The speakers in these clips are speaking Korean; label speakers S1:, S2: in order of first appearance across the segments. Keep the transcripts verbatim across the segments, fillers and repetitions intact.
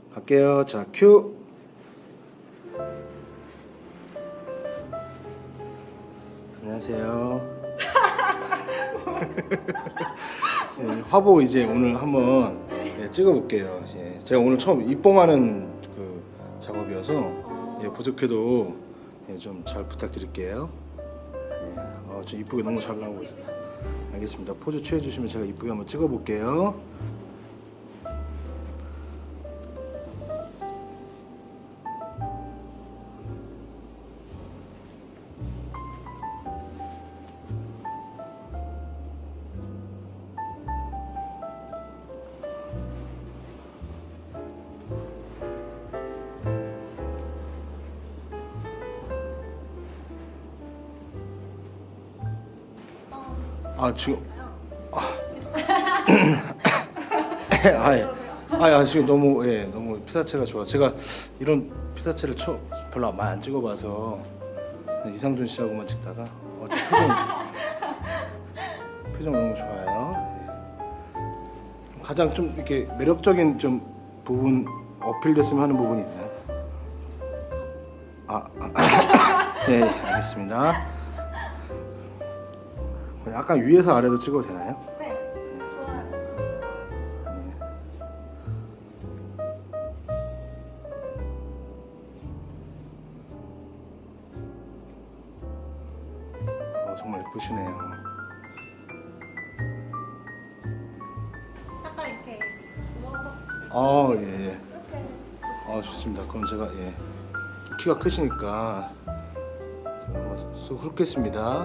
S1: 갈게요. 자, 큐. 안녕하세요. 네, 화보 이제 오늘 한번 네, 찍어볼게요. 예, 제가 오늘 처음 입봉하는 그 작업이어서 예, 부족해도 예, 좀 잘 부탁드릴게요. 예, 어, 저 이쁘게 너무 잘 나오고 있어서 알겠습니다. 포즈 취해주시면 제가 이쁘게 한번 찍어볼게요. 아 지금 아, 아, 예. 아, 아 지금 너무 예 너무 피사체가 좋아. 제가 이런 피사체를 처, 별로 많이 안 찍어봐서 이상준 씨하고만 찍다가 어, 저 표정 표정 너무 좋아요. 예. 가장 좀 이렇게 매력적인 좀 부분 어필됐으면 하는 부분이 있나요? 아, 아 네 알겠습니다. 약간 위에서 아래로 찍어도 되나요?
S2: 네, 좋아요.
S1: 어, 정말 예쁘시네요.
S2: 약간 이렇게 누워서
S1: 아 예. 예.
S2: 이렇게.
S1: 아 좋습니다. 그럼 제가 예 키가 크시니까 제가 한번 쑥 훑겠습니다.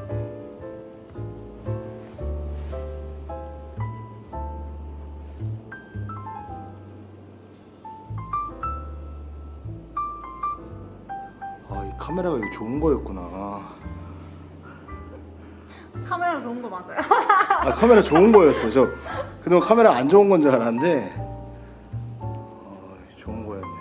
S1: 아 이 카메라가 이거 좋은 거였구나.
S2: 카메라 좋은 거 맞아요?
S1: 아 카메라 좋은 거였어. 저 그동안 카메라 안 좋은 건 줄 알았는데 어, 좋은 거였네요.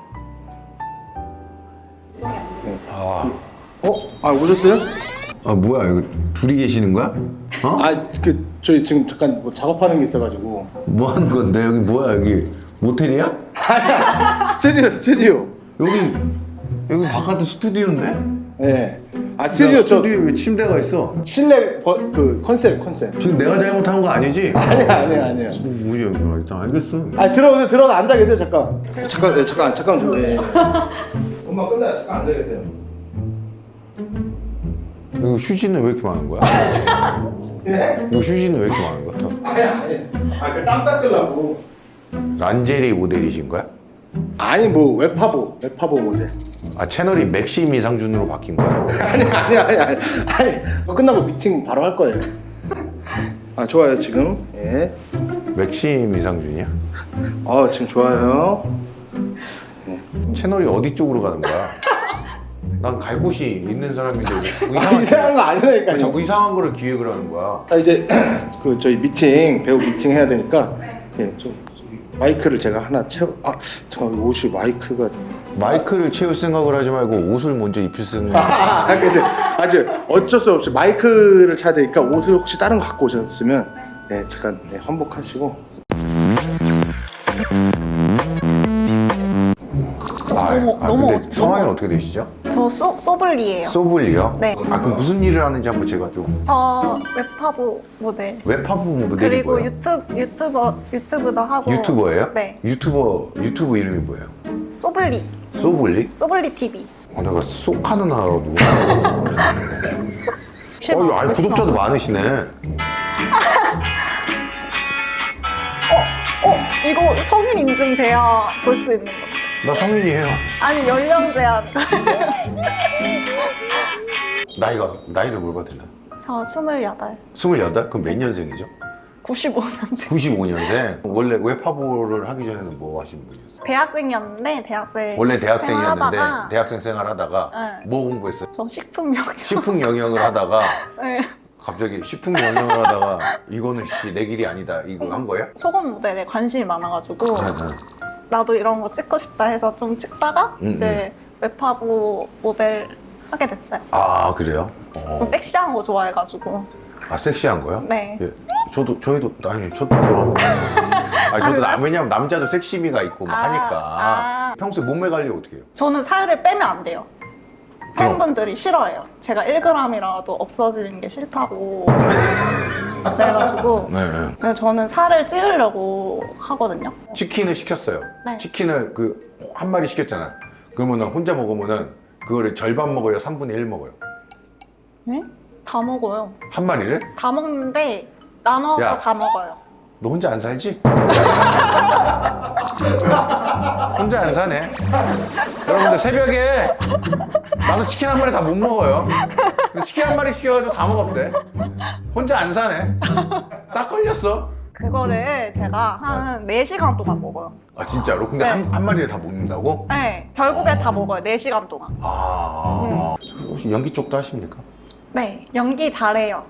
S3: 아,
S1: 어? 아 오셨어요?
S3: 아 뭐야 이거 둘이 계시는 거야? 어?
S1: 아 그 저희 지금 잠깐 뭐 작업하는 게 있어가지고.
S3: 뭐 하는 건데 여기 뭐야 여기 모텔이야?
S1: 아니야 스튜디오 스튜디오.
S3: 여기 여기 바깥에 스튜디오인데?
S1: 예. 아 스튜디오 저
S3: 스튜디오에 왜 침대가 있어?
S1: 실내 버, 그 컨셉 컨셉.
S3: 지금 내가 잘못한 거 아니지?
S1: 아니야 아니야 아니야.
S3: 뭐지 여기 일단 알겠어.
S1: 아 들어오세요. 들어가 앉아 계세요. 잠깐. 잠깐 예, 잠깐 잠깐 좀. 예. 엄마 끝나요. 잠깐 앉아 계세요.
S3: 이거 휴지는 왜 이렇게 많은 거야?
S1: 예?
S3: 이거 휴지는 왜 이렇게 많은 거야?
S1: 아니야 아니. 아그 땀 닦으려고.
S3: 란제리 모델이신 거야?
S1: 아니 뭐 웹파보 웹파보 모델.
S3: 아 채널이 맥심 이상준으로 바뀐 거야?
S1: 아니 아니 아니 아니. 아니 뭐 끝나고 미팅 바로 할 거예요. 아 좋아요 지금. 예.
S3: 맥심 이상준이야?
S1: 아 지금 좋아요.
S3: 채널이 어디 쪽으로 가는 거야? 난 갈 곳이 있는 사람인데 왜 자꾸
S1: 아
S3: 이상한,
S1: 이상한 거
S3: 왜
S1: 아니라니까요.
S3: 자꾸 이상한 거를 기획을 하는 거야?
S1: 아 이제 그 저희 미팅 배우 미팅 해야 되니까 예, 좀 마이크를 제가 하나 채워. 아 잠깐 옷이 마이크가.
S3: 마이크를 채울 생각을 하지 말고 옷을 먼저 입힐 생각.
S1: 아 그래서 아주 어쩔 수 없이 마이크를 차야 되니까 옷을 혹시 다른 거 갖고 오셨으면 예 잠깐 예, 환복하시고.
S3: 아,
S2: 너무-
S3: 아
S2: 너무
S3: 근데
S2: 어떡-
S3: 성함이 어떻게 되시죠?
S2: 저 소, 소블리예요.
S3: 소블리요?
S2: 네.
S3: 아 그럼 무슨 일을 하는지 한번 제가 좀.
S2: 저 웹파보 모델.
S3: 웹하부 모델이
S2: 그리고
S3: 뭐예요?
S2: 유튜브 유튜버 유튜브도 하고.
S3: 유튜버예요?
S2: 네.
S3: 유튜버 유튜브 이름이 뭐예요?
S2: 소블리.
S3: 소블리?
S2: 소블리 티비.
S3: 어, 내가 쏙하는 하라고. 어, 이거 아니 구독자도 많으시네.
S2: 어 이거 성인 인증돼야 볼 수 있는 거.
S3: 나 성인이에요.
S2: 아니 연령 제한.
S3: 나이가 나이를 물어봐도 되나?
S2: 저 스물여덟.
S3: 스물여덟? 그럼 몇 년생이죠?
S2: 구십오 년생.
S3: 구십오 년생. 원래 웹하부를 하기 전에는 뭐 하시는 분이었어요?
S2: 대학생이었는데 대학생.
S3: 원래 대학생이었는데
S2: 생활하다가
S3: 대학생 생활하다가
S2: 네.
S3: 뭐 공부했어요?
S2: 저 식품 영역.
S3: 식품 영역을 하다가
S2: 네.
S3: 갑자기 식품 영역을 하다가 이거는 씨 내 길이 아니다 이거 한 거예요?
S2: 소금 모델에 관심이 많아가지고
S3: 네, 네.
S2: 나도 이런 거 찍고 싶다 해서 좀 찍다가
S3: 음,
S2: 이제 웹하부 모델 하게 됐어요.
S3: 아 그래요? 어.
S2: 좀 섹시한 거 좋아해가지고.
S3: 아 섹시한 거요?
S2: 네.
S3: 예. 저도 저희도 아니 저도 좋아하고 아 저도 남, 왜냐면 남자도 섹시미가 있고 막
S2: 아,
S3: 하니까.
S2: 아.
S3: 평소에 몸매 관리 어떻게 해요?
S2: 저는 살을 빼면 안 돼요.
S3: 그럼.
S2: 팬분들이 싫어해요. 제가 일 그램이라도 없어지는 게 싫다고 그래가지고
S3: 네.
S2: 근데 저는 살을 찌우려고 하거든요.
S3: 치킨을 시켰어요.
S2: 네.
S3: 치킨을 그 한 마리 시켰잖아. 그러면은 혼자 먹으면은 그거를 절반 먹어요, 삼분의 일 먹어요.
S2: 네? 다 먹어요.
S3: 한 마리를?
S2: 다 먹는데 나눠서
S3: 야.
S2: 다 먹어요.
S3: 너 혼자 안 살지? 혼자 안 사네. 여러분들 새벽에 나도 치킨 한 마리 다 못 먹어요. 근데 치킨 한 마리 시켜가지고 다 먹었대. 혼자 안 사네. 딱 걸렸어.
S2: 그거를 제가 한 네 시간 동안 먹어요.
S3: 아 진짜로? 근데
S2: 네.
S3: 한, 한 마리를 다 먹는다고?
S2: 네, 결국에 다 먹어요. 네 시간 동안.
S3: 아 혹시 연기 쪽도 하십니까?
S2: 네, 연기 잘해요.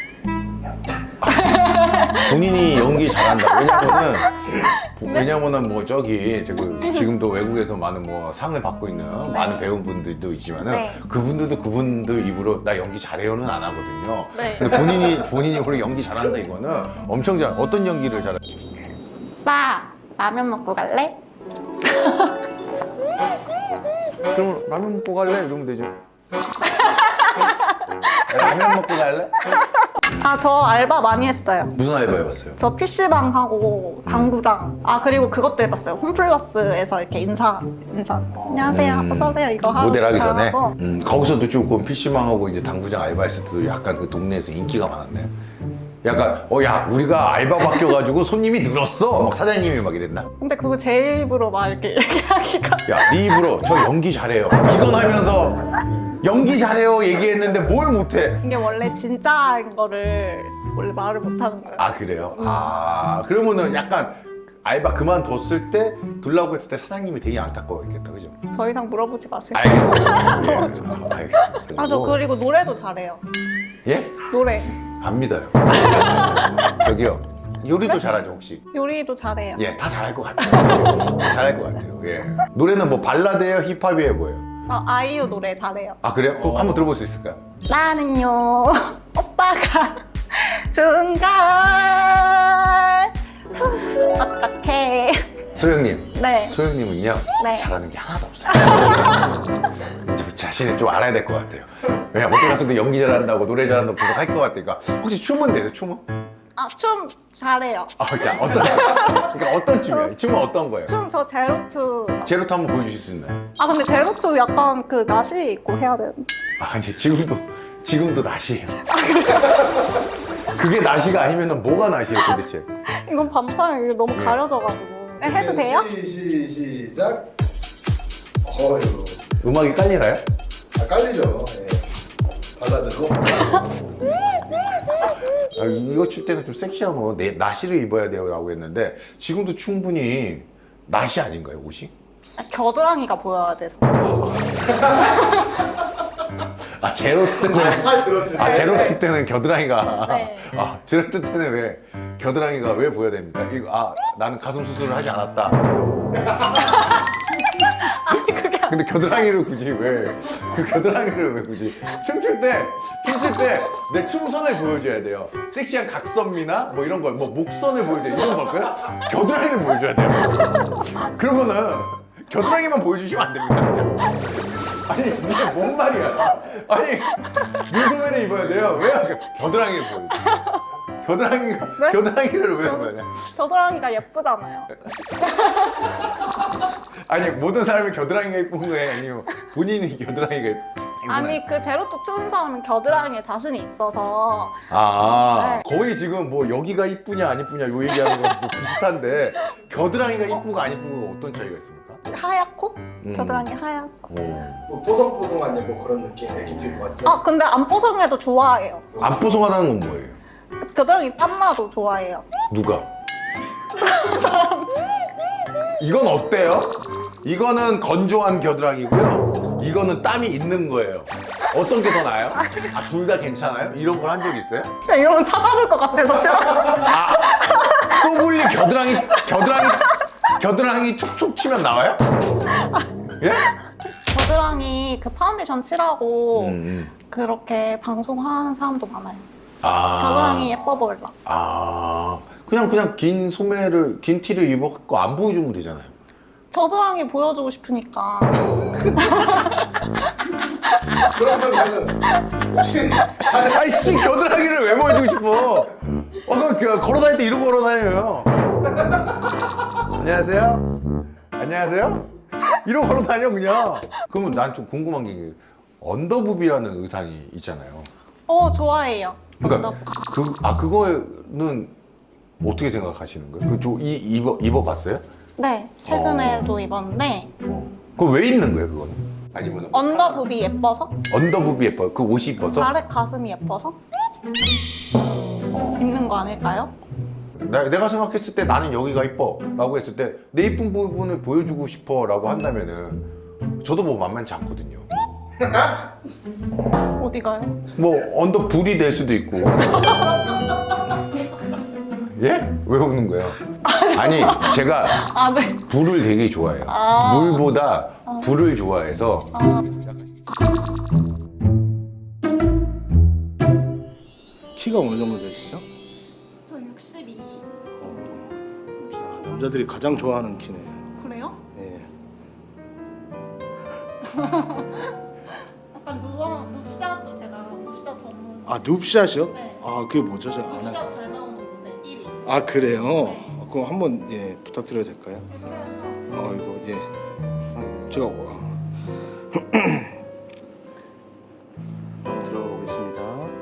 S3: 본인이 연기 잘한다. 왜냐면은 왜냐면은 뭐 저기 지금 지금도 외국에서 많은 뭐 상을 받고 있는 많은 배우분들도 있지만은
S2: 네.
S3: 그분들도 그분들 입으로 나 연기 잘해요는 안 하거든요.
S2: 네.
S3: 근데 본인이 본인 입으로 연기 잘한다 이거는 엄청 잘. 어떤 연기를 잘해?
S2: 오빠, 라면 먹고 갈래?
S3: 그럼 라면 먹고 갈래? 이러면 되죠. 라면 먹고 갈래?
S2: 아, 저 알바 많이 했어요.
S3: 무슨 알바 해봤어요?
S2: 저 피시방 하고 당구장. 아, 그리고 그것도 해봤어요. 홈플러스에서 이렇게 인사, 인사. 안녕하세요.
S3: 음,
S2: 어서오세요. 이거 하고.
S3: 모델 하기 전에
S2: 하고.
S3: 음, 거기서도 조금 피시방하고 이제 당구장 알바했을 때도 약간 그 동네에서 인기가 많았네. 약간 어 야 우리가 알바 바뀌어가지고 손님이 늘었어. 막 사장님이 막 이랬나?
S2: 근데 그거 제 입으로 막 이렇게 얘기하기가.
S3: 야 네 입으로 저 연기 잘해요. 이건 하면서 연기 잘해요 얘기했는데 뭘 못해?
S2: 이게 원래 진짜인 거를 원래 말을 못하는 거예요.
S3: 아 그래요? 아 그러면은 약간 알바 그만뒀을 때 둘라고 했을 때 사장님이 되게 안타까워했겠다, 그죠?
S2: 더 이상 물어보지 마세요.
S3: 알겠어요. 예, 아, 알겠어요.
S2: 아, 저 그리고 노래도 잘해요.
S3: 예?
S2: 노래.
S3: 안 믿어요. 저기요. 요리도 잘하죠 혹시?
S2: 요리도 잘해요.
S3: 예, 다 잘할 것 같아요. 다 잘할 것 같아요. 예. 노래는 뭐 발라드예요, 힙합이에요, 뭐예요?
S2: 저 아이유 노래 잘해요.
S3: 아 그래요? 그럼 한번 들어볼 수 있을까요?
S2: 나는요, 오빠가 좋은 걸. 후, 어떡해.
S3: 소영님.
S2: 네.
S3: 소영님은요
S2: 네.
S3: 잘하는 게 하나도 없어요. 저 자신을 좀 알아야 될 것 같아요. 왜냐 어디 가서도 연기 잘한다고 노래 잘한다고 계속 할 것 같으니까. 혹시 춤은 돼요? 춤은?
S2: 아, 춤 잘해요.
S3: 아, 자 어떤 그러니까 어떤 춤이에요? 춤은 어떤 거예요?
S2: 춤 저 제로투.
S3: 제로투 한번 보여주실 수 있나요?
S2: 아, 근데 제로투 약간 그 나시 있고 해야 되는데.
S3: 아 이제 지금도 지금도 나시예요. 그게 나시가 아니면 뭐가 나시예요 도대체?
S2: 이건 반팔이 너무 가려져가지고. 네, 해도 돼요?
S1: 시, 시, 시작. 어휴.
S3: 음악이 깔리나요?
S1: 아, 깔리죠. 예. 발라드로.
S3: 아, 이거 출 때는 좀 섹시하면 내 나시를 입어야 돼요 라고 했는데 지금도 충분히 나시 아닌가요 옷이?
S2: 아, 겨드랑이가 보여야 돼서.
S3: 아 제로투 때는
S1: 팔 들었을
S3: 아
S1: 때.
S3: 제로투 때는 겨드랑이가
S2: 네.
S3: 아 제로투 때는 왜 겨드랑이가 왜 보여야 됩니까? 이거 아 나는 가슴 수술을 하지 않았다. 근데 겨드랑이를 굳이 왜 그 겨드랑이를 왜 굳이 춤출 때 춤출 때 내 춤선을 보여줘야 돼요. 섹시한 각선미나 뭐 이런 걸 뭐 목선을 보여줘야 이런 걸까요? 겨드랑이를 보여줘야 돼요. 그러면은 겨드랑이만 보여주시면 안 됩니까? 아니 이게 뭔 말이야? 아니 눈소매를 입어야 돼요. 왜 겨드랑이를 보여줘? 겨드랑이
S2: 네?
S3: 겨드랑이를 왜 보여야 돼?
S2: 겨드랑이가 예쁘잖아요.
S3: 아니 모든 사람이 겨드랑이가 이쁜 거예요? 아니면 본인이 겨드랑이가 이쁜
S2: 아니, 그 제로투 추는 사람은 겨드랑이에 자신이 있어서.
S3: 아
S2: 네.
S3: 거의 지금 뭐 여기가 이쁘냐 안 이쁘냐 요 얘기하는 거뭐 비슷한데 겨드랑이가 이쁘고 안 이쁘고 어떤 차이가 있습니까?
S2: 하얗고?
S3: 음.
S2: 겨드랑이 하얗고.
S3: 어.
S1: 뭐 뽀송뽀송한 뭐 그런 느낌, 애기 피부 같은.
S2: 아, 근데 안 뽀송해도 좋아해요.
S3: 안 뽀송하다는 건 뭐예요?
S2: 겨드랑이 땀나도 좋아해요.
S3: 누가? 이건 어때요? 이거는 건조한 겨드랑이고요. 이거는 땀이 있는 거예요. 어떤 게 더 나아요? 아, 둘 다 괜찮아요? 이런 걸 한 적 있어요?
S2: 그냥 이러면 찾아볼 것 같아서 싫어.
S3: 아, 소블리 겨드랑이, 겨드랑이, 겨드랑이 촉촉 치면 나와요? 예?
S2: 겨드랑이 그 파운데이션 칠하고
S3: 음, 음.
S2: 그렇게 방송하는 사람도 많아요.
S3: 아.
S2: 겨드랑이 예뻐 보일라.
S3: 아. 그냥 그냥 긴 소매를 긴 티를 입었고 안 보여주면 되잖아요.
S2: 겨드랑이 보여주고 싶으니까.
S1: 그러면 나는 혹시
S3: 아이 씨 겨드랑이를 왜 보여주고 싶어? 어 그럼 그 걸어 다닐 때 이러고 걸어 다녀요. 안녕하세요. 안녕하세요. 이러고 걸어 다녀 그냥. 그러면 난 좀 궁금한 게 언더부비라는 의상이 있잖아요.
S2: 어, 좋아해요.
S3: 그러니까
S2: 언더부비.
S3: 그 아 그거는 어떻게 생각하시는 거예요? 그이 입어 입어봤어요?
S2: 네, 최근에도 입었는데
S3: 그거 왜 입는 거예요 그거는? 아니면
S2: 언더부비 예뻐서?
S3: 언더부비 예뻐? 그 옷이 이뻐서?
S2: 아래 가슴이 예뻐서? 입는 거 아닐까요?
S3: 나, 내가 생각했을 때 나는 여기가 이뻐 라고 했을 때 내 이쁜 부분을 보여주고 싶어 라고 한다면은 저도 뭐 만만치 않거든요.
S2: 어디가요?
S3: 뭐 언더 불이 될 수도 있고. 예? 왜 웃는 거예요? 아니 제가
S2: 아, 네.
S3: 불을 되게 좋아해요.
S2: 아.
S3: 물보다 불을 좋아해서.
S2: 아,
S1: 키가 어느 정도 되시죠?
S2: 저 육십이.
S1: 자, 남자들이 가장 좋아하는 키네요.
S2: 그래요?
S1: 예.
S2: 약간 누워, 눕샷도 제가 눕샷 전문.
S1: 아 눕샷이요?
S2: 네.
S1: 아 그게 뭐죠? 제가 안 해.
S2: 눕샷 잘 나오는 무대 일 위.
S1: 아 그래요?
S2: 네.
S1: 어, 그럼 한번 예 부탁드려도 될까요? 아 이거 예. 아, 제가 와. 한번 들어가 보겠습니다.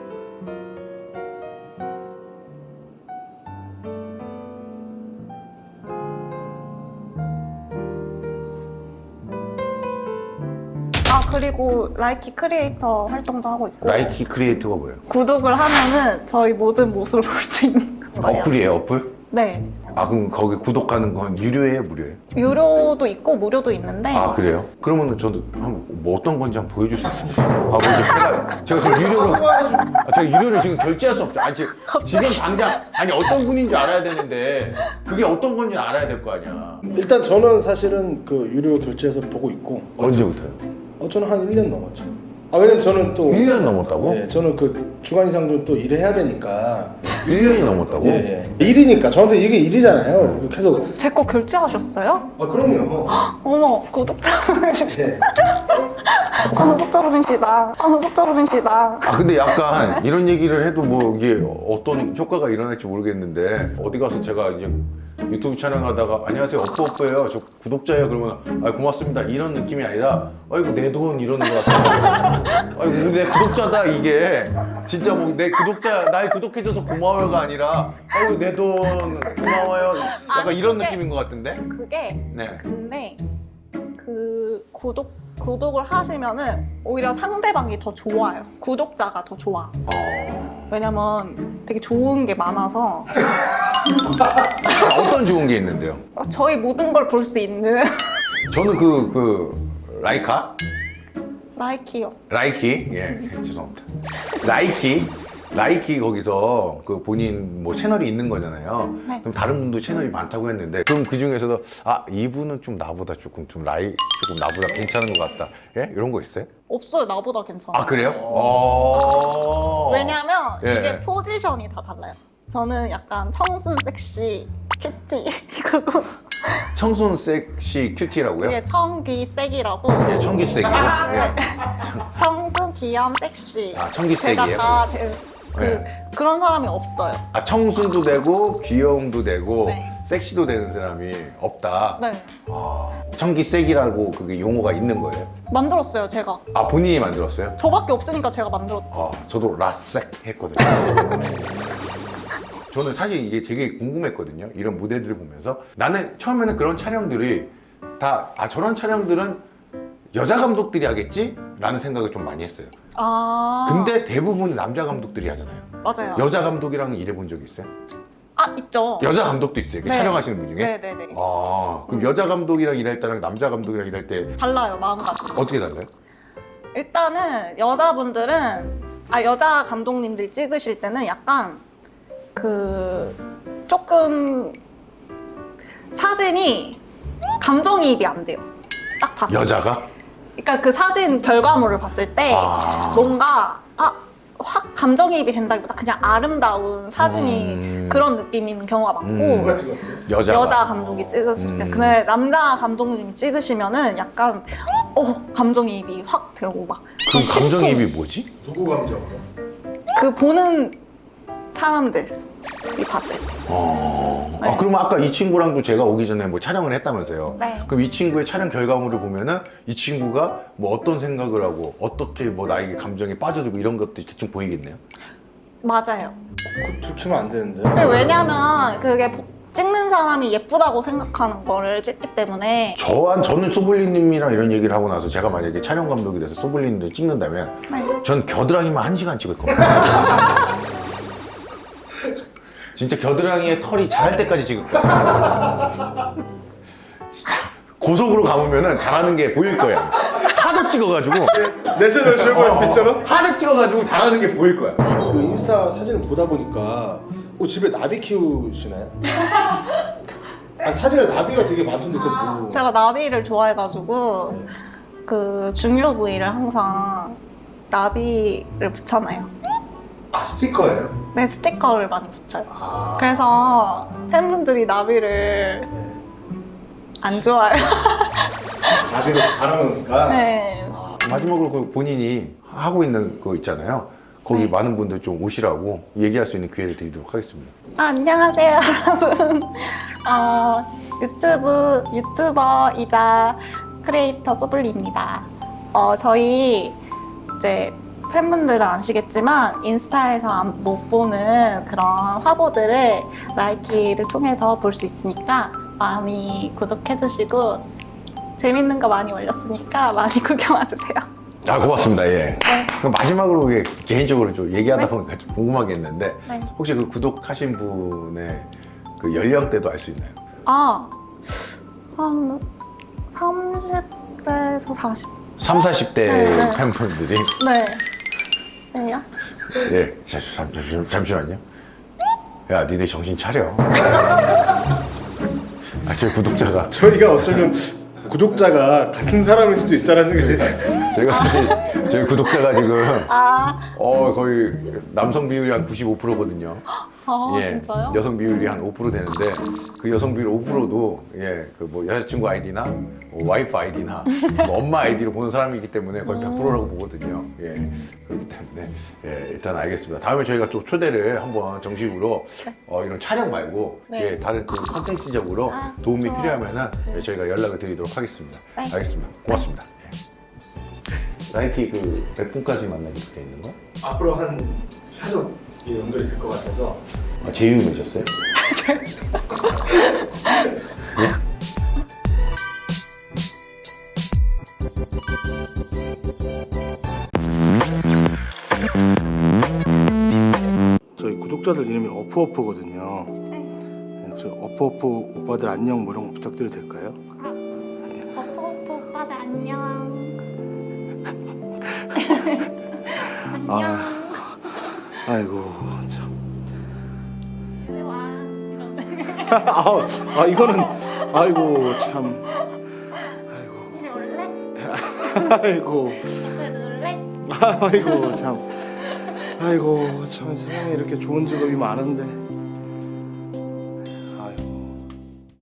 S2: 아, 그리고 라이키 크리에이터 활동도 하고 있고.
S3: 라이키 크리에이터가 뭐예요?
S2: 구독을 하면은 저희 모든 모습을 볼 수 있는 거예요.
S3: 어플이에요 어플?
S2: 네.
S3: 아 그럼 거기 구독하는 건 유료예요 무료예요?
S2: 유료도 있고 무료도 있는데.
S3: 아 그래요? 그러면은 저도 한번 뭐 어떤 건지 한번 보여줄 수 있습니까? 아 뭐 제가 제가 지금 유료로 아, 제가 유료를 지금 결제할 수 없죠. 아니 지금, 지금 당장 아니 어떤 분인지 알아야 되는데 그게 어떤 건지 알아야 될 거 아니야.
S1: 일단 저는 사실은 그 유료 결제해서 보고 있고
S3: 언제부터요?
S1: 어 저는 한 일 년 넘었죠. 아 왜냐면 저는 또
S3: 일 년 넘었다고?
S1: 예, 저는 그 주간 이상 좀 또 일을 해야 되니까
S3: 일 년이 넘었다고?
S1: 예, 예. 일이니까 저한테 이게 일이잖아요. 계속
S2: 제 거 결제하셨어요?
S1: 아 그럼요.
S2: 어머, 구독자분이시다.
S1: 예.
S2: 아, 구독자분이시다. 아, 구독자분이시다.
S3: 아 근데 약간 이런 얘기를 해도 뭐 이게 어떤 효과가 일어날지 모르겠는데 어디 가서 제가 이제 유튜브 촬영하다가 안녕하세요 어프 어프예요 저 구독자예요 그러면 아 고맙습니다 이런 느낌이 아니라 아이고 내 돈 이러는 것 같아요. 아이고 내 구독자다 이게 진짜 뭐 내 구독자 날 구독해줘서 고마워요가 아니라 아이고 내 돈 고마워요 약간
S2: 아니,
S3: 이런
S2: 그게-
S3: 느낌인 것 같은데.
S2: 그게
S3: 네.
S2: 근데 그 구독 구독을 하시면은 오히려 상대방이 더 좋아요. 구독자가 더 좋아.
S3: 어...
S2: 왜냐면 되게 좋은 게 많아서
S3: 어떤 좋은 게 있는데요?
S2: 저희 모든 걸 볼 수 있는
S3: 저는 그 그 라이카
S2: 라이키요.
S3: 라이키 예 죄송합니다. 라이키 라이키 거기서 그 본인 뭐 채널이 있는 거잖아요.
S2: 네.
S3: 그럼 다른 분도 채널이 많다고 했는데 그럼 그 중에서도 아 이분은 좀 나보다 조금 좀 라이 조금 나보다 괜찮은 것 같다. 예 이런 거 있어요?
S2: 없어요. 나보다 괜찮아.
S3: 아 그래요? 어.
S2: 왜냐면
S3: 예.
S2: 이게 포지션이 다 달라요. 저는 약간 청순 섹시 큐티 그리고
S3: 청순 섹시 큐티라고요?
S2: 이게 청귀색이라고
S3: 예 청기색이요. 예.
S2: 청순 귀염 섹시
S3: 아, 청기색이에요?
S2: 제가 다 되, 그,
S3: 네.
S2: 그런 사람이 없어요.
S3: 아 청순도 되고 귀여움도 되고
S2: 네.
S3: 섹시도 되는 사람이 없다.
S2: 네,
S3: 아, 청기색이라고 그게 용어가 있는 거예요?
S2: 만들었어요. 제가
S3: 아 본인이 만들었어요?
S2: 저밖에 없으니까 제가 만들었죠.
S3: 아 저도 라섹 했거든요. 저는 사실 이게 되게 궁금했거든요. 이런 무대들을 보면서 나는 처음에는 그런 촬영들이 다 아 저런 촬영들은 여자 감독들이 하겠지? 라는 생각을 좀 많이 했어요.
S2: 아,
S3: 근데 대부분 남자 감독들이 하잖아요.
S2: 맞아요.
S3: 여자 감독이랑 일해본 적 있어요?
S2: 아, 있죠.
S3: 여자 감독도 있어요. 그
S2: 네.
S3: 촬영하시는 분 중에?
S2: 네네네.
S3: 아 그럼 여자 감독이랑 일할 때랑 남자 감독이랑 일할 때
S2: 달라요, 마음가짐.
S3: 어떻게 달라요?
S2: 일단은 여자분들은 아 여자 감독님들이 찍으실 때는 약간 그 조금 사진이 감정이입이 안 돼요. 딱 봤을 때.
S3: 여자가?
S2: 그러니까 그 사진 결과물을 봤을 때
S3: 아.
S2: 뭔가 아, 확 감정이입이 된다기보다 그냥 아름다운 사진이
S3: 음.
S2: 그런 느낌인 경우가 많고
S3: 음.
S1: 누가 찍었어요?
S3: 여자가.
S2: 여자 감독이 찍으실 때
S3: 음.
S2: 근데 남자 감독님이 찍으시면은 약간 어 감정이입이 확 되고 막
S3: 그
S2: 더 심쿵.
S3: 감정이입이 뭐지?
S1: 누구 감정?
S2: 그 보는 사람들이 봤을 때
S3: 어...
S2: 네.
S3: 아, 그러면 아까 이 친구랑도 제가 오기 전에 뭐 촬영을 했다면서요?
S2: 네.
S3: 그럼 이 친구의 촬영 결과물을 보면은 이 친구가 뭐 어떤 생각을 하고 어떻게 뭐 나에게 감정에 빠져들고 이런 것들이 대충 보이겠네요?
S2: 맞아요.
S1: 들키면 안 되는데.
S2: 근데 왜냐면 그게 보- 찍는 사람이 예쁘다고 생각하는 거를 찍기 때문에
S3: 저한 저는 소블리님이랑 이런 얘기를 하고 나서 제가 만약에 촬영 감독이 돼서 소블리님을 찍는다면
S2: 네.
S3: 전 겨드랑이만 한 시간 찍을 겁니다. 진짜 겨드랑이에 털이 자랄 때까지 찍을 거야. 진짜 고속으로 감으면은 잘하는 게 보일 거야. 하도 찍어가지고
S1: 내셔널 지오그래피처럼?
S3: 하도 찍어가지고 잘하는 게 보일 거야.
S1: 그 인스타 사진을 보다 보니까 어, 집에 나비 키우시나요? 아, 사진에 나비가 되게 많던데 그거 뭐.
S2: 제가 나비를 좋아해가지고 그 중요 부위를 항상 나비를 붙여놔요.
S1: 아 스티커예요?
S2: 네, 스티커를 많이 붙여요.
S1: 아.
S2: 그래서 팬분들이 나비를 안 좋아해요.
S1: 나비로 달아놓으니까.
S2: 네.
S3: 마지막으로 그 본인이 하고 있는 거 있잖아요. 거기
S2: 네.
S3: 많은 분들 좀 오시라고 얘기할 수 있는 기회를 드리도록 하겠습니다.
S2: 아, 안녕하세요, 여러분. 어, 유튜브 유튜버이자 크리에이터 소블리입니다. 어, 저희 이제 팬분들은 아시겠지만 인스타에서 안- 못 보는 그런 화보들을 라이키를 통해서 볼 수 있으니까 많이 구독해주시고 재밌는 거 많이 올렸으니까 많이 구경와주세요.
S3: 아 고맙습니다. 예.
S2: 네.
S3: 그럼 마지막으로 이게 개인적으로 좀 얘기하다
S2: 네.
S3: 보니까 좀 궁금한 게 있는데
S2: 네.
S3: 혹시 그 구독하신 분의 그 연령대도 알 수 있나요?
S2: 아, 한 삼십 대에서 사십.
S3: 삼, 사십 대
S2: 네, 네.
S3: 팬분들이
S2: 네. 네요?
S3: 예, 잠, 잠, 잠, 잠시만요. 야, 니들 정신 차려. 아, 저희 구독자가
S1: 저희가 어쩌면 구독자가 같은 사람일 수도 있다는 생각이.
S3: 저희가 사실 저희 구독자가 지금
S2: 아,
S3: 어 거의 남성 비율이 한 구십오 퍼센트거든요.
S2: 아 진짜요?
S3: 여성 비율이 한 오 퍼센트 되는데 그 여성 비율 오 퍼센트도 예, 그 뭐 여자친구 아이디나 뭐 와이프 아이디나 뭐 엄마 아이디로 보는 사람이기 때문에 거의 백 퍼센트라고 보거든요. 예, 그렇기 때문에 예, 일단 알겠습니다. 다음에 저희가 또 초대를 한번 정식으로 어, 이런 촬영 말고
S2: 네.
S3: 예, 다른 또 컨텐츠적으로
S2: 아,
S3: 도움이
S2: 좋아요.
S3: 필요하면은
S2: 네.
S3: 예, 저희가 연락을 드리도록 하겠습니다.
S2: 네.
S3: 알겠습니다. 고맙습니다. 예. 나이키 그 몇 분까지 만나게 돼 있는 거야?
S1: 앞으로 한 계속 이 연결이 될 것 같아서.
S3: 아, 제휴맺었어요? 예?
S1: 저희 구독자들 이름이 어프어프거든요. 네, 저 어프어프 오빠들 안녕 뭐 이런 거 부탁드려도 될까요?
S4: 버퍼버퍼 오빠들 안녕.
S1: 아, 아이고 참.
S4: 와.
S1: 아, 아 이거는 아이고 참.
S4: 이리 올래?
S1: 아이고
S4: 이리 놀래?
S1: 아이고 참. 아이고 참 세상에 이렇게 좋은 직업이 많은데.